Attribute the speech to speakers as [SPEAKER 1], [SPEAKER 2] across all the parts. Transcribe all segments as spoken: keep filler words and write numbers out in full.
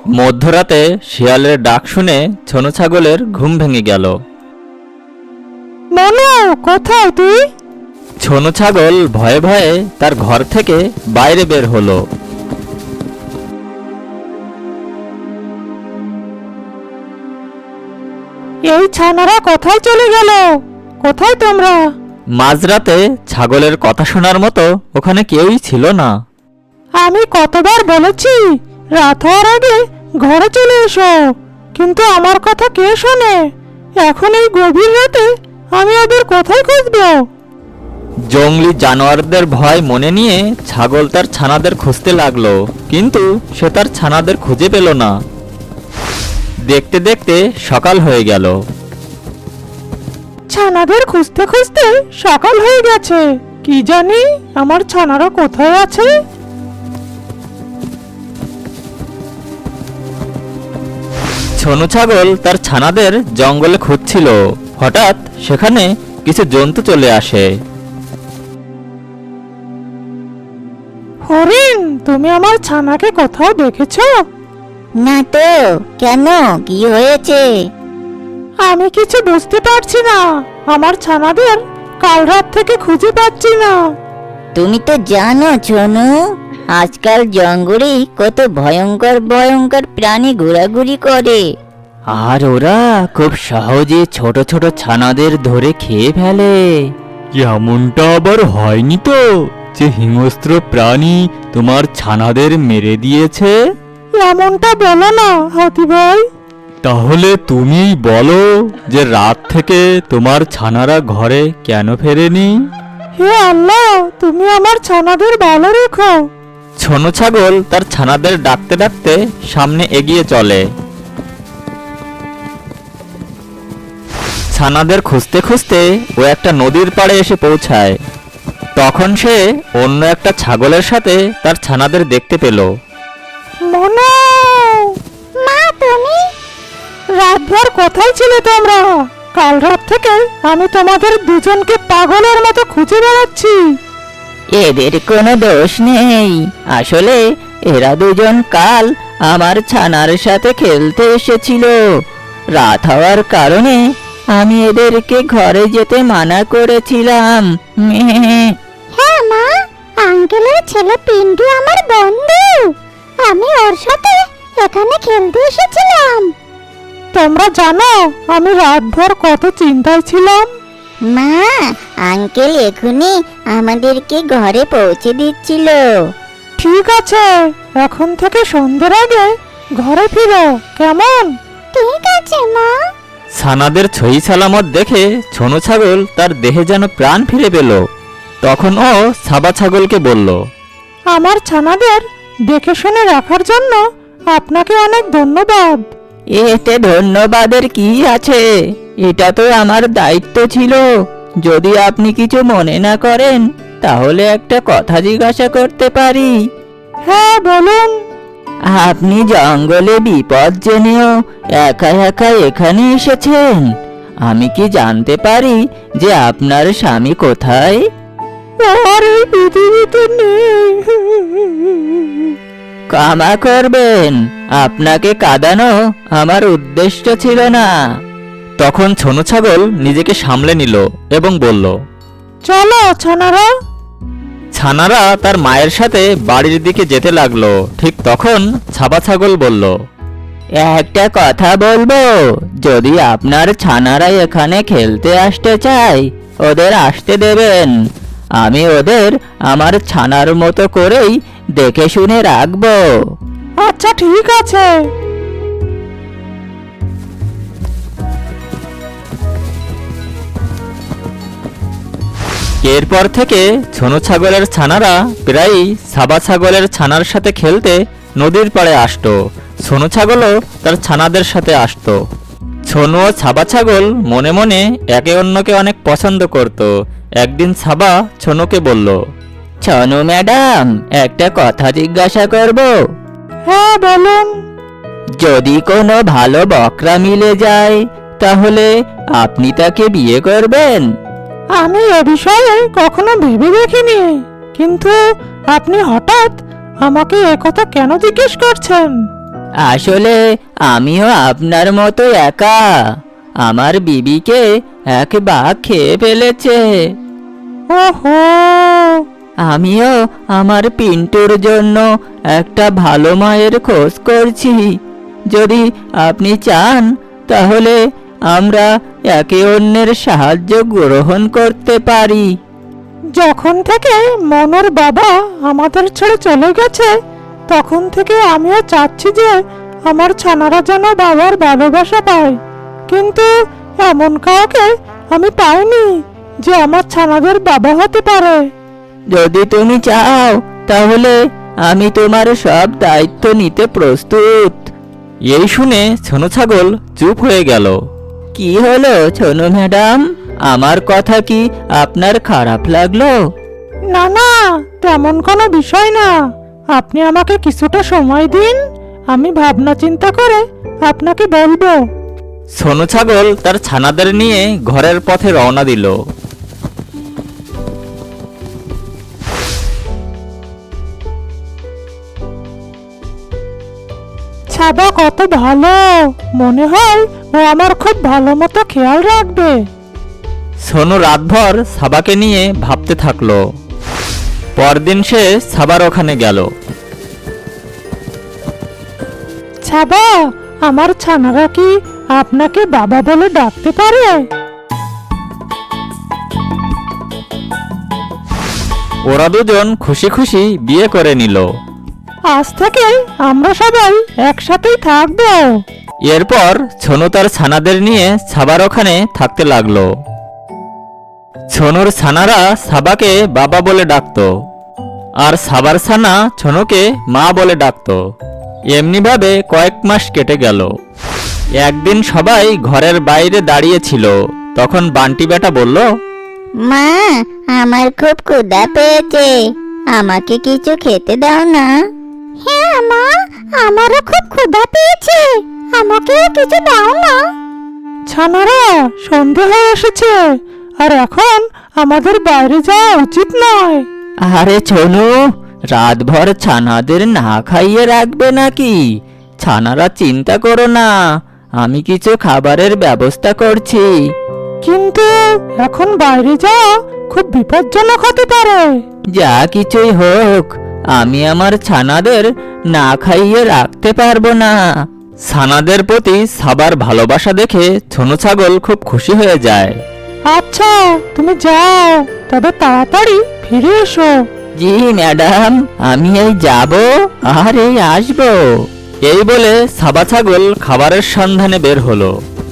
[SPEAKER 1] মধ্যরাতে শিয়ালের ডাক শুনে ছোনো ছাগলের ঘুম ভেঙে গেল।
[SPEAKER 2] মনু, কোথায় তুই?
[SPEAKER 1] ছোনো ছাগল ভয়ে ভয়ে তার ঘর থেকে বাইরে বের হলো।
[SPEAKER 2] এই ছানারা কোথায় চলে গেল? কোথায় তোমরা?
[SPEAKER 1] মাঝরাতে ছাগলের কথা শোনার মতো ওখানে কেউই ছিল না।
[SPEAKER 2] আমি কতবার বলেছি রাত হওয়ার আগে ঘরে চলে এসো, কিন্তু আমার কথা কে শোনে? এখন এই গভীর রাতে আমি ওদের কোথায় খুঁজবো?
[SPEAKER 1] জঙ্গলি জানোয়ারদের ভয় মনে নিয়ে ছাগল তার ছানাদের খুঁজতে লাগলো, কিন্তু সে তার ছানাদের খুঁজে পেল না। দেখতে দেখতে সকাল হয়ে গেল।
[SPEAKER 2] ছানাদের খুঁজতে খুঁজতে সকাল হয়ে গেছে। কি জানি আমার ছানারা কোথায় আছে?
[SPEAKER 1] ছোনো ছাগল তার ছানাদের জঙ্গলে খুঁজছিল। হঠাৎ সেখানে কিছু জন্তু চলে আসে।
[SPEAKER 2] হরিণ, তুমি আমার ছানাকে কোথাও দেখেছো?
[SPEAKER 3] না তো, কেন, কি হয়েছে?
[SPEAKER 2] আমি কিছু বুঝতে পারছি না। আমার ছানাদের কাল রাত থেকে খুঁজে পাচ্ছি না।
[SPEAKER 3] তুমি তো জানো ছোনু, আজকাল জঙ্গলে কত ভয়ঙ্কর ভয়ঙ্কর প্রাণী ঘোরাঘুরি করে।
[SPEAKER 1] আর ওরা খুব সহজে ছোট ছোট ছানাদের ধরে খেয়ে ফেলে। এমনটা আবার হয়নি তো যে হিংস্র প্রাণী তোমার ছানাদের মেরে দিয়েছে?
[SPEAKER 2] এমনটা বলো না হাতি ভাই।
[SPEAKER 1] তাহলে তুমিই বলো যে রাত থেকে তোমার ছানারা ঘরে কেন ফেরেনি?
[SPEAKER 2] হে আল্লাহ, তুমি আমার ছানাদের ভালো রেখো।
[SPEAKER 1] ছোনো ছাগল তার ছানাদের ডাকতে ডাকতে সামনে এগিয়ে চলে। ছানাদের খুঁজতে খুঁজতে ও একটা নদীর পাড়ে এসে পৌঁছায়। তখন সে অন্য একটা ছাগলের সাথে তার ছানাদের দেখতে পেল।
[SPEAKER 2] মনু,
[SPEAKER 3] মা, তুমি?
[SPEAKER 2] রাতভর কোথায় ছিলে তোমরা? কাল রাত থেকে আমি তোমাদের দুজনকে পাগলের মতো খুঁজে বেড়াচ্ছি।
[SPEAKER 3] এদের কোনো দোষ নেই, আসলে এরা দুজন কাল আমার ছানার সাথে খেলতে এসেছিল। রাত হওয়ার কারণে আমি এদেরকে ঘরে যেতে মানা করেছিলাম। হ্যাঁ মা, আঙ্কেলের ছেলে পিন্টু আমার বন্ধু, আমি ওর সাথে এখানে খেলতে এসেছিলাম।
[SPEAKER 2] তোমরা জানো আমি রাতভর কত চিন্তায় ছিলাম।
[SPEAKER 3] মা, আঙ্কেল এখনই আমাদেরকে ঘরে পৌঁছে দিচ্ছিল।
[SPEAKER 2] ঠিক আছে, এখন থেকে সন্ধ্যের আগে ঘরে ফিরো, কেমন?
[SPEAKER 3] ঠিক আছে মা।
[SPEAKER 1] ছানাদের ছই সালামত দেখে ছোনো ছাগল তার দেহে যেন প্রাণ ফিরে পেল। তখন ও সাবা ছাগলকে বলল,
[SPEAKER 2] আমার ছানাদের দেখে শুনে রাখার জন্য আপনাকে অনেক ধন্যবাদ।
[SPEAKER 3] এতে ধন্যবাদের কি আছে, এটা তো আমার দায়িত্ব ছিল। যদি আপনি কিছু মনে না করেন তাহলে একটা কথা জিজ্ঞাসা করতে পারি?
[SPEAKER 2] হ্যাঁ, বলুন।
[SPEAKER 3] আপনি জঙ্গলে বিপদ জেনেও একা একা এখানে এসেছেন। আমি কি জানতে পারি যে আপনার স্বামী কোথায়?
[SPEAKER 2] আর এই পৃথিবীতে নেই।
[SPEAKER 3] ক্ষমা করবেন, আপনাকে কাঁদানো আমার উদ্দেশ্য ছিল না।
[SPEAKER 1] তখন ছোনো ছাগল নিজেকে সামলে নিল এবং বলল,
[SPEAKER 2] চলো ছানারা।
[SPEAKER 1] ছানারা তার মায়ের সাথে বাড়ির দিকে যেতে লাগলো। ঠিক তখন ছাবা ছাগল বলল,
[SPEAKER 3] একটা কথা বলবো, যদি আপনার ছানারা এখানে খেলতে আসতে চায় ওদের আসতে দেবেন। আমি ওদের আমার ছানার মতো করেই দেখে শুনে রাখবো।
[SPEAKER 2] আচ্ছা, ঠিক আছে।
[SPEAKER 1] এরপর থেকে ছোনো ছাগলের ছানারা প্রায়ই সাবা ছাগলের ছানার সাথে খেলতে নদীর পাড়ে আসতো। ছোনো ছাগলও তার ছানাদের সাথে আসতো। ছোনো ও সাবা ছাগল মনে মনে একে অন্যকে অনেক পছন্দ করত। একদিন সাবা ছোনোকে বলল,
[SPEAKER 3] ছনু ম্যাডাম, একটা কথা জিজ্ঞাসা করব?
[SPEAKER 2] হ্যাঁ, বলুন।
[SPEAKER 3] যদি কোনো ভালো বকরা মিলে যায় তাহলে আপনি তাকে বিয়ে করবেন?
[SPEAKER 2] আমি এ বিষয়ে কখনো ভেবে দেখিনি, কিন্তু আপনি হঠাৎ আমাকে একথা কেন জিজ্ঞেস করছেন?
[SPEAKER 3] আসলে আমিও আপনার মতো একা। আমার বিবিকে এক বাঘ খেয়ে ফেলেছে।
[SPEAKER 2] ওহো,
[SPEAKER 3] আমিও আমার পিন্টুর জন্য একটা ভালো মায়ের খোঁজ করছি। যদি আপনি চান তাহলে আমরা একে অন্যের সাহায্য গ্রহণ করতে পারি।
[SPEAKER 2] যখন থেকে মনোর বাবা আমাদের ছেড়ে চলে গেছে তখন থেকে আমিও চাচ্ছি যে আমার ছানারা যেন বাবার ভালোবাসা পায়, কিন্তু এমন কাউকে আমি পাইনি যে আমার ছানাদের বাবা হতে পারে।
[SPEAKER 3] যদি তুমি চাও তাহলে আমি তোমার সব দায়িত্ব নিতে প্রস্তুত।
[SPEAKER 1] এই শুনে ছোনো ছাগল চুপ হয়ে গেল।
[SPEAKER 3] কি হলো ছোনু ম্যাডাম, আমার কথা কি আপনার খারাপ লাগলো?
[SPEAKER 2] না না, তেমন কোনো বিষয় না। আপনি আমাকে কিছুটা সময় দিন, আমি ভাবনা চিন্তা করে আপনাকে বলবো।
[SPEAKER 1] ছোনো ছাগল তার ছানাদের নিয়ে ঘরের পথে রওনা দিল।
[SPEAKER 2] ছাবা কত ভালো, মনে হয় ও আমার খুব ভালো মতো খেয়াল রাখবে।
[SPEAKER 1] সোনু রাতভর সাবাকে নিয়ে ভাবতে থাকলো। পরদিন সে সাবার ওখানে গেল।
[SPEAKER 2] ছাবা, আমার ছানারা কি আপনাকে বাবা বলে ডাকতে পারে?
[SPEAKER 1] ওরা দুজন খুশি খুশি বিয়ে করে নিল।
[SPEAKER 2] আজ থেকে আমরা সবাই একসাথেই থাকবো।
[SPEAKER 1] এরপর ছোনু তার ছানাদের নিয়ে সাবার ওখানে থাকতে লাগলো। ছোনুর ছানারা সাবাকে বাবা বলে ডাকতো, আর সাবার ছানা ছোনুকে মা বলে ডাকতো। এমনিভাবে কয়েক মাস কেটে গেল। একদিন সবাই ঘরের বাইরে দাঁড়িয়েছিল। তখন বান্টি বেটা বলল,
[SPEAKER 4] মা, আমার খুব ক্ষুধা পেয়েছে, আমাকে কিছু খেতে দাও না। হ্যাঁ মা, আমারও খুব ক্ষুধা পেয়েছে, আমাকে কিছু দাও না।
[SPEAKER 2] ছানারা, সন্ধে হয়ে এসেছে, আর এখন আমাদের বাইরে যাওয়া উচিত নয়।
[SPEAKER 3] আরে ছোনু, রাতভর ছানাদের না খাইয়ে রাখবে নাকি? ছানারা চিন্তা করো না, আমি কিছু খাবারের ব্যবস্থা করছি।
[SPEAKER 2] কিন্তু এখন বাইরে যাওয়া খুব বিপজ্জনক হতে পারে।
[SPEAKER 3] যা কিছুই হোক, আমি আমার ছানাদের না খাইয়ে রাখতে পারবো না।
[SPEAKER 1] ছানাদের প্রতি সাবার ভালোবাসা দেখে ছোনু ছাগল খুব খুশি হয়ে যায়।
[SPEAKER 2] আচ্ছা, তুমি যাও, তবে তাড়াতাড়ি ফিরে এসো।
[SPEAKER 3] জি ম্যাডাম, আমি এই যাব আর এই আসবো।
[SPEAKER 1] এই বলে সাবা ছাগল খাবারের সন্ধানে বের হলো।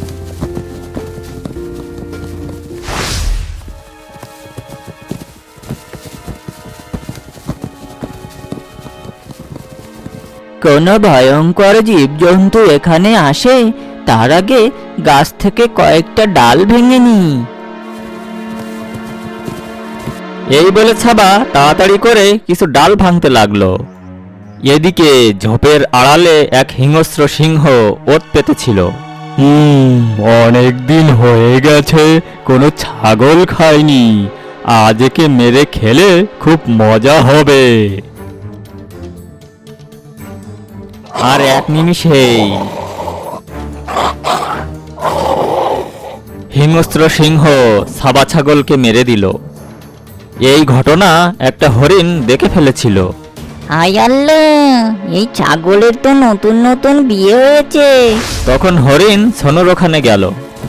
[SPEAKER 3] কোনো ভয়ঙ্কর জীবজন্তু এখানে আসে তার আগে গাছ থেকে কয়েকটা ডাল ভেঙে নি।
[SPEAKER 1] এই বলে ছাবা তাড়াতাড়ি করে কিছু ডাল ভাঙতে লাগলো। এদিকে ঝোপের আড়ালে এক হিংস্র সিংহ ওত পেতেছিল। হুম অনেক দিন হয়ে গেছে কোনো ছাগল খায়নি, আজ একে মেরে খেলে খুব মজা হবে। আর এক নিমিষেই হিংস্র সিংহ সাবা ছাগলকে মেরে দিল। এই ঘটনা একটা হরিণ দেখে ফেলেছিল।
[SPEAKER 4] হাই আল্লাহ, এই ছাগলের তো নতুন নতুন বিয়ে হয়েছে।
[SPEAKER 1] তখন হরিণ সোনুর ওখানে গেল।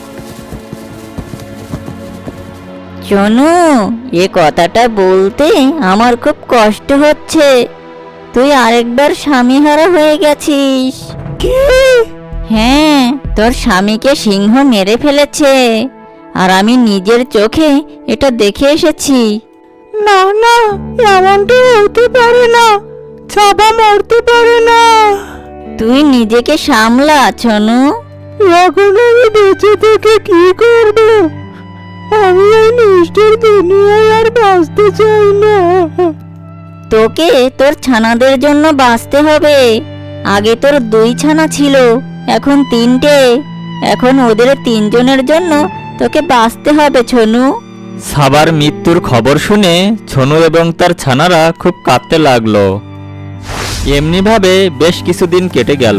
[SPEAKER 4] শোনো, এ কথাটা বলতে আমার খুব কষ্ট হচ্ছে। তুই আরেকবার স্বামীহারা হয়ে গেছিস।
[SPEAKER 2] কি?
[SPEAKER 4] হ্যাঁ, তোর স্বামীকে সিংহ মেরে ফেলেছে, আর আমি নিজের চোখে এটা দেখে এসেছি।
[SPEAKER 2] না না, এমনটা হতে পারে না, ছাবা মরতে পারে না।
[SPEAKER 4] তুই নিজেকে সামলা ছোনু।
[SPEAKER 2] এখন আমি বেঁচে থেকে কি করব? আমি এই নিষ্ঠুর দুনিয়ায় আর বাঁচতে চাই না।
[SPEAKER 4] তোকে তোর ছানাদের জন্য বাঁচতে হবে। আগে তোর দুই ছানা ছিল, এখন তিনটে। এখন ওদের তিনজনের জন্য তোকে বাঁচতে হবে ছোনু।
[SPEAKER 1] সাবার মৃত্যুর খবর শুনে ছোনু এবং তার ছানারা খুব কাঁদতে লাগলো। এমনিভাবে বেশ কিছুদিন কেটে গেল।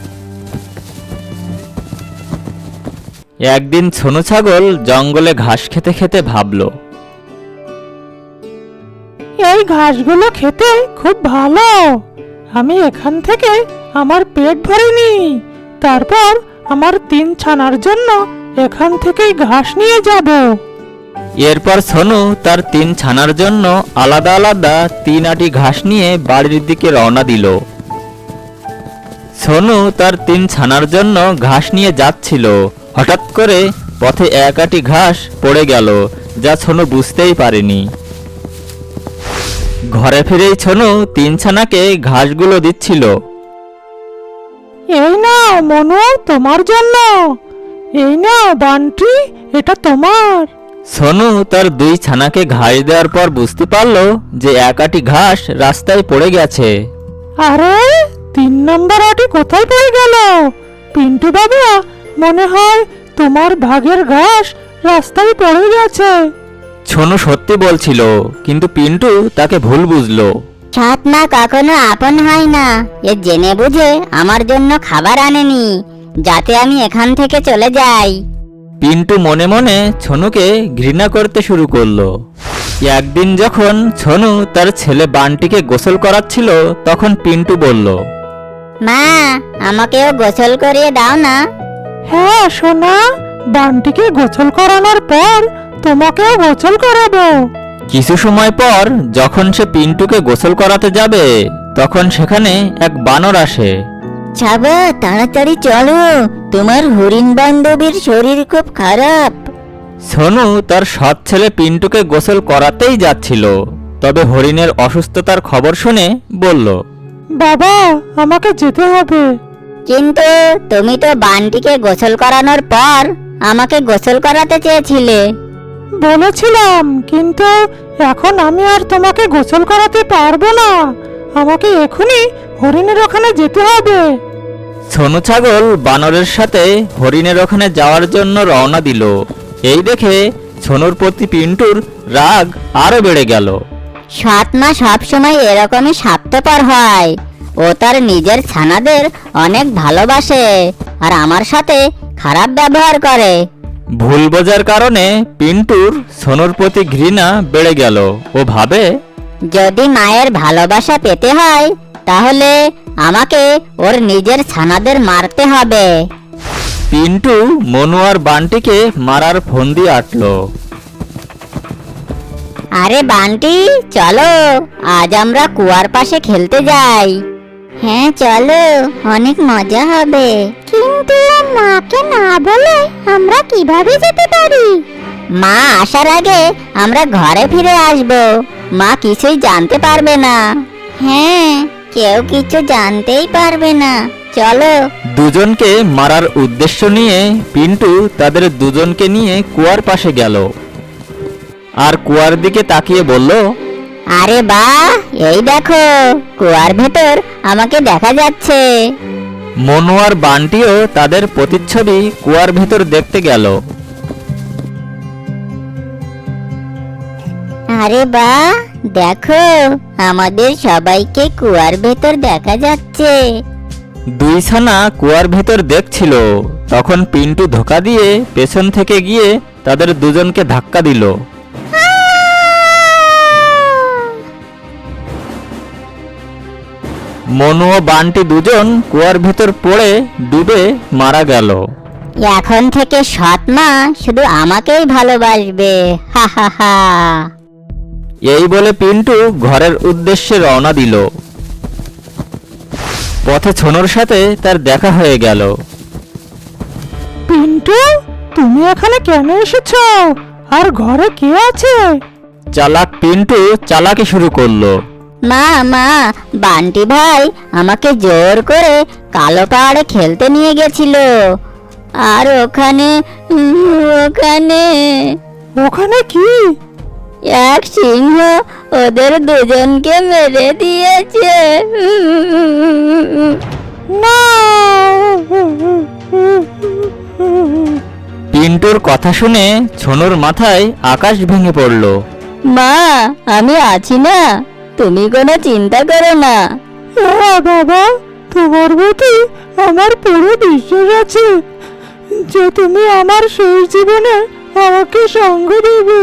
[SPEAKER 1] একদিন ছোনো ছাগল জঙ্গলে ঘাস খেতে খেতে ভাবল,
[SPEAKER 2] এই ঘাসগুলো খেতে খুব ভালো। আমি এখান থেকে আমার পেট ভরে নিই, তারপর আমার তিন ছানার জন্য এখান থেকেই ঘাস নিয়ে যাব।
[SPEAKER 1] এরপর সোনু তার তিন ছানার জন্য আলাদা আলাদা তিন আটি ঘাস নিয়ে বাড়ির দিকে রওনা দিল। সোনু তার তিন ছানার জন্য ঘাস নিয়ে যাচ্ছিল, হঠাৎ করে পথে এক আটি ঘাস পড়ে গেল, যা সোনু বুঝতেই পারেনি। ঘরে ফিরেই সোনু তিন ছানাকে ঘাসগুলো দিচ্ছিল।
[SPEAKER 2] এই নাও মনু, তোমার জন্য। এই নাও বান্টি, এটা তোমার।
[SPEAKER 1] সোনু তার দুই ছানাকে ঘাস দেওয়ার পর বুঝতে পারলো যে এক আটি ঘাস রাস্তায় পড়ে গেছে।
[SPEAKER 2] আরে তিন নম্বর আটি কোথায় পড়ে গেল? পিন্টু বাবা, মনে হয় তোমার ভাগের ঘাস রাস্তায় পড়ে গেছে।
[SPEAKER 1] সোনু সত্যি বলছিল, কিন্তু পিন্টু তাকে ভুল বুঝলো।
[SPEAKER 4] সৎ মা কখনো আপন হয় না। এ জেনে বুঝে আমার জন্য খাবার আনেনি, যাতে আমি এখান থেকে চলে যাই।
[SPEAKER 1] পিন্টু মনে মনে ছোনুকে ঘৃণা করতে শুরু করলো। একদিন যখন ছোনু তার ছেলে বান্টিকে গোসল করাচ্ছিল, তখন পিন্টু বলল,
[SPEAKER 4] মা, আমাকেও গোসল করিয়ে দাও না।
[SPEAKER 2] হ্যাঁ সোনা, বান্টিকে গোসল করানোর পর তোমাকেও গোসল করাবো।
[SPEAKER 1] কিছু সময় পর যখন সে পিন্টুকে গোসল করাতে যাবে, তখন সেখানে এক বানর আসে।
[SPEAKER 4] ছাবা, তাড়াতাড়ি চলো, তোমার হরিণ বান্ধবীর শরীর খুব খারাপ।
[SPEAKER 1] সোনু তার সৎ ছেলে পিন্টুকে গোসল করাতেই যাচ্ছিল, তবে হরিণের অসুস্থতার খবর শুনে বলল,
[SPEAKER 2] বাবা, আমাকে যেতে হবে।
[SPEAKER 4] কিন্তু তুমি তো বান্টিকে গোসল করানোর পর আমাকে গোসল করাতে চেয়েছিলে।
[SPEAKER 2] বলেছিলাম, কিন্তু এখন আমি আর তোমাকে গোসল করাতে পারবো না। আমাকে এখনই হরিণের ওখানে যেতে হবে।
[SPEAKER 1] সোনু ছাগল বানরের সাথে হরিণের ওখানে যাওয়ার জন্য রওনা দিল। এই দেখে সোনুর প্রতি পিন্টুর রাগ আরো বেড়ে গেল।
[SPEAKER 4] সৎ মা সবসময় এরকমই স্বার্থপর হয়। ও তার নিজের ছানাদের অনেক ভালোবাসে, আর আমার সাথে খারাপ ব্যবহার করে।
[SPEAKER 1] ভুল বোঝার কারণে পিন্টুর সোনুর প্রতি ঘৃণা বেড়ে গেল। ও ভাবে,
[SPEAKER 4] যদি মায়ের ভালোবাসা পেতে হয়, তাহলে আমাকে ওর নিজের ছানাদের মারতে হবে।
[SPEAKER 1] পিন্টু মনু আর বান্টিকে মারার ফন্দি আটল।
[SPEAKER 4] আরে বান্টি, চলো, আজ আমরা কুয়ার পাশে খেলতে যাই। হ্যাঁ চলো, অনেক মজা হবে। কিন্তু মাকে না বলে আমরা কিভাবে যেতে পারি? মা আসার আগে আমরা ঘরে ফিরে আসব। মা কিছুই জানতে পারবে না। হ্যাঁ, কেউ কিছু জানতেই পারবে না। চলো।
[SPEAKER 1] দুজনকে মারার উদ্দেশ্য নিয়ে পিন্টু তাদের দুজনকে নিয়ে কুয়ার পাশে গেল, আর কুয়ার দিকে তাকিয়ে বলল,
[SPEAKER 4] আরে বাহ, এই দেখো, কুয়ার ভেতর আমাকে দেখা যাচ্ছে।
[SPEAKER 1] মনু আর বান্টিও তাদের প্রতিচ্ছবি কুয়ার ভেতর দেখতে গেল।
[SPEAKER 4] আরে বাহ, দেখো, আমাদের সবাইকে কুয়ার ভেতর দেখা যাচ্ছে।
[SPEAKER 1] দুই ছানা কুয়ার ভেতর দেখছিল, তখন পিন্টু ধোকা দিয়ে পেছন থেকে গিয়ে তাদের দুজনকে ধাক্কা দিল। মনু ও বান্টি দুজন কুয়ার ভেতর পড়ে ডুবে মারা গেল।
[SPEAKER 4] এখন থেকে সৎ মা শুধু আমাকেই ভালোবাসবে। হা হা হা।
[SPEAKER 1] এই বলে পিন্টু ঘরের উদ্দেশ্যে রওনা দিল। পথে ছোনুর সাথে তার দেখা হয়ে গেল।
[SPEAKER 2] পিন্টু, তুমি এখানে কেন এসেছো? আর ঘরে কে আছে?
[SPEAKER 1] চালাক পিন্টু চালাকি শুরু করলো।
[SPEAKER 4] মা মা, বান্টি ভাই আমাকে জোর করে কালো পাহাড়ে খেলতে নিয়ে গেছিল। আর ওখানে ওখানে
[SPEAKER 2] ওখানে কি?
[SPEAKER 4] এক সিংহ ওদের দুজনকে মেরে দিয়েছে।
[SPEAKER 2] না।
[SPEAKER 1] পিন্টুর কথা শুনে ছোনুর মাথায় আকাশ ভেঙে পড়ল।
[SPEAKER 4] মা, আমি আছি না, তুমি কোনো চিন্তা করো না।
[SPEAKER 2] হ্যাঁ বাবা, তোমার প্রতি আমার পুরো বিশ্বাস আছে যে তুমি আমার শেষ জীবনে আমাকে সঙ্গ দেবে।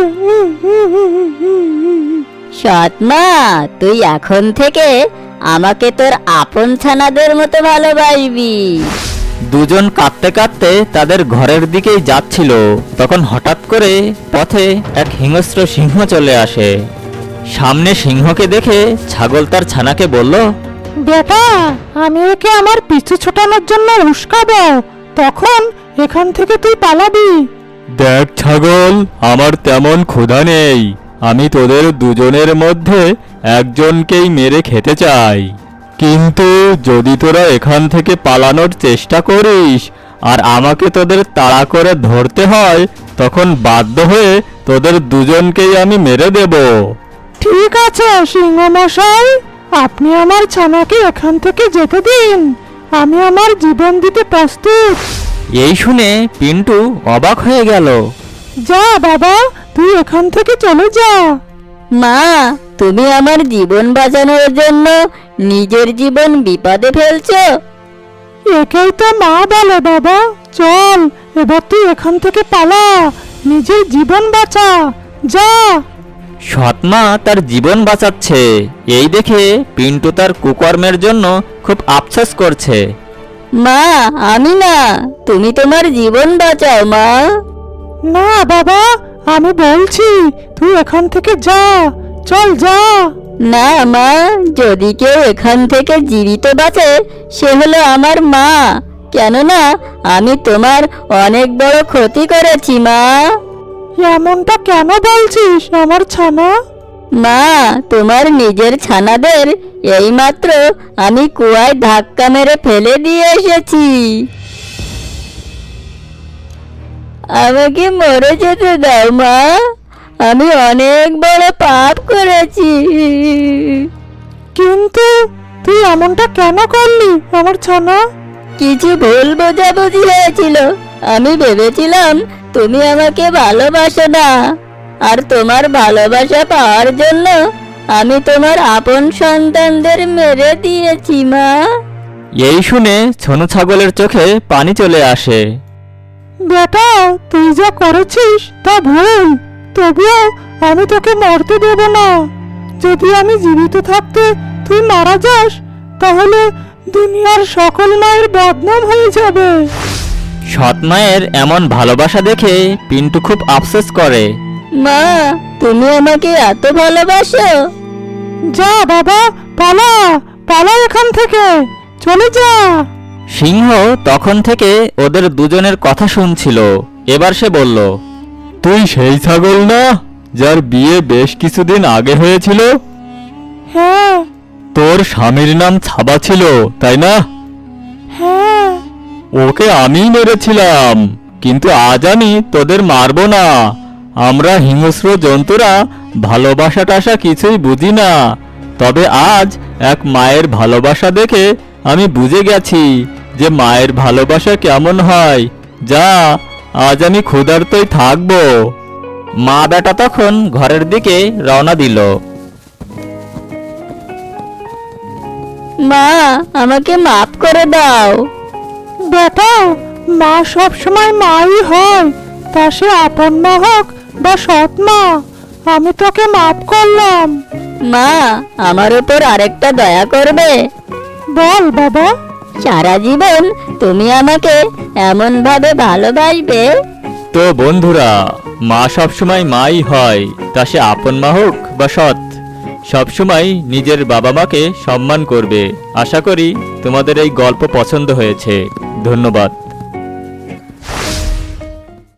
[SPEAKER 4] সৎমা, তুই এখন থেকে আমাকে তোর আপন ছানাদের মতো ভালোবাসবি।
[SPEAKER 1] দুজন কাঁদতে কাঁদতে তাদের ঘরের দিকেই যাচ্ছিল, তখন হঠাৎ করে পথে এক হিংস্র সিংহ চলে আসে। সামনে সিংহকে দেখে ছাগল তার ছানাকে বলল,
[SPEAKER 2] বেটা, আমি একে আমার পিছু ছোটানোর জন্য উস্কাবো, তখন এখান থেকে তুই পালাবি।
[SPEAKER 1] দেখ ছাগল, আমার তেমন ক্ষুধা নেই, আমি তোদের দুজনের মধ্যে একজনকেই মেরে খেতে চাই। কিন্তু যদি তোরা এখান থেকে পালানোর চেষ্টা করিস আর আমাকে তোদের তাড়া করে ধরতে হয়, তখন বাধ্য হয়ে তোদের দুজনকেই আমি মেরে দেব।
[SPEAKER 2] ঠিক আছে সিংহ মশাই, আপনি আমার ছানাকে এখান থেকে যেতে দিন, আমি আমার জীবন দিতে প্রস্তুত।
[SPEAKER 1] এই শুনে পিন্টু অবাক হয়ে গেল।
[SPEAKER 2] যা বাবা, তুই এখান থেকে চলে যা।
[SPEAKER 4] মা, তুমি আমার জীবন বাঁচানোর জন্য নিজের জীবন বিপদে ফেলছো?
[SPEAKER 2] একেই তো মা বলে বাবা। চল, এবার তুই এখান থেকে পালা, নিজের জীবন বাঁচা, যা।
[SPEAKER 1] সৎমা তার জীবন বাঁচাচ্ছে, এই দেখে পিন্টু তার কুকর্মের জন্য খুব আফসোস করছে।
[SPEAKER 4] মা, আমি না, তুমি তোমার জীবন বাঁচাও মা।
[SPEAKER 2] না বাবা, আমি বলছি তুই এখান থেকে যা, চল যা।
[SPEAKER 4] না মা, যদি কেউ এখান থেকে জীবিত বাঁচে সে হলো আমার মা, কেননা আমি তোমার অনেক বড় ক্ষতি করেছি মা।
[SPEAKER 2] এমনটা কেন বলছিস আমার ছানা?
[SPEAKER 4] মা, তোমার নিজের ছানাদের এইমাত্র আমি কুয়ায় ধাক্কা মেরে ফেলে দিয়ে এসেছি। আমাকে মরে যেতে দাও মা, আমি অনেক বড় পাপ করেছি।
[SPEAKER 2] কিন্তু তুই এমনটা কেন করলি আমার ছানা?
[SPEAKER 4] কিছু ভুল বোঝাবুঝি হয়েছিল, আমি ভেবেছিলাম তুমি আমাকে ভালোবাসো না, আর তোমার ভালোবাসা পাওয়ার জন্য আমি তোমার আপন সন্তানদের মেরে দিয়েছি মা।
[SPEAKER 1] এই শুনে ছোনো ছাগলের চোখে পানি চলে আসে।
[SPEAKER 2] বেটা, তুই যা করেছিস তা ভুল, তবুও আমি তোকে মরতে দেব না। যদি আমি জীবিত থাকতে তুই মারা যাস, তাহলে দুনিয়ার সকল মায়ের বদনাম হয়ে যাবে।
[SPEAKER 1] সৎ মায়ের এমন ভালোবাসা দেখে পিন্টু খুব আফসোস করে।
[SPEAKER 4] মা, তুমি আমাকে এত ভালোবাসো?
[SPEAKER 2] যা বাবা, পালা, পালা এখান থেকে, চলে যা।
[SPEAKER 1] সিংহ তখন থেকে ওদের দুজনের কথা শুনছিল। এবার সে বলল, তুই সেই ছাগল না যার বিয়ে বেশ কিছুদিন আগে হয়েছিল?
[SPEAKER 2] হ্যাঁ
[SPEAKER 1] তোর স্বামীর নাম ছাবা ছিল, তাই না?
[SPEAKER 2] হ্যাঁ।
[SPEAKER 1] ওকে আমি মেরেছিলাম, কিন্তু আজ আমি তোদের মারবো না। আমরা হিংস্র জন্তুরা ভালোবাসা টাসা কিছুই বুঝি না, তবে আজ এক মায়ের ভালোবাসা দেখে আমি বুঝে গেছি যে মায়ের ভালোবাসা কেমন হয়। যা, আজ আমি ক্ষুধার্তই থাকবো। মা বেটা তখন ঘরের দিকে রওনা দিল।
[SPEAKER 4] মা, আমাকে মাফ করে দাও।
[SPEAKER 2] বেটা, মা সব সময় মাই হয়, তা সে আপন মা হোক বা সৎ মা। আমি তোকে মাফ করলাম।
[SPEAKER 4] মা, আমার উপর আরেকটা দয়া করবে?
[SPEAKER 2] বল বাবা।
[SPEAKER 4] সারা জীবন তুমি আমাকে এমন ভাবে ভালোবাসবে?
[SPEAKER 1] তো বন্ধুরা, মা সবসময় মাই হয়, তা সে আপন মা হোক বা সৎ, সবসময় নিজের বাবা মাকে সম্মান করবে। আশা করি তোমাদের এই গল্প পছন্দ হয়েছে। ধন্যবাদ।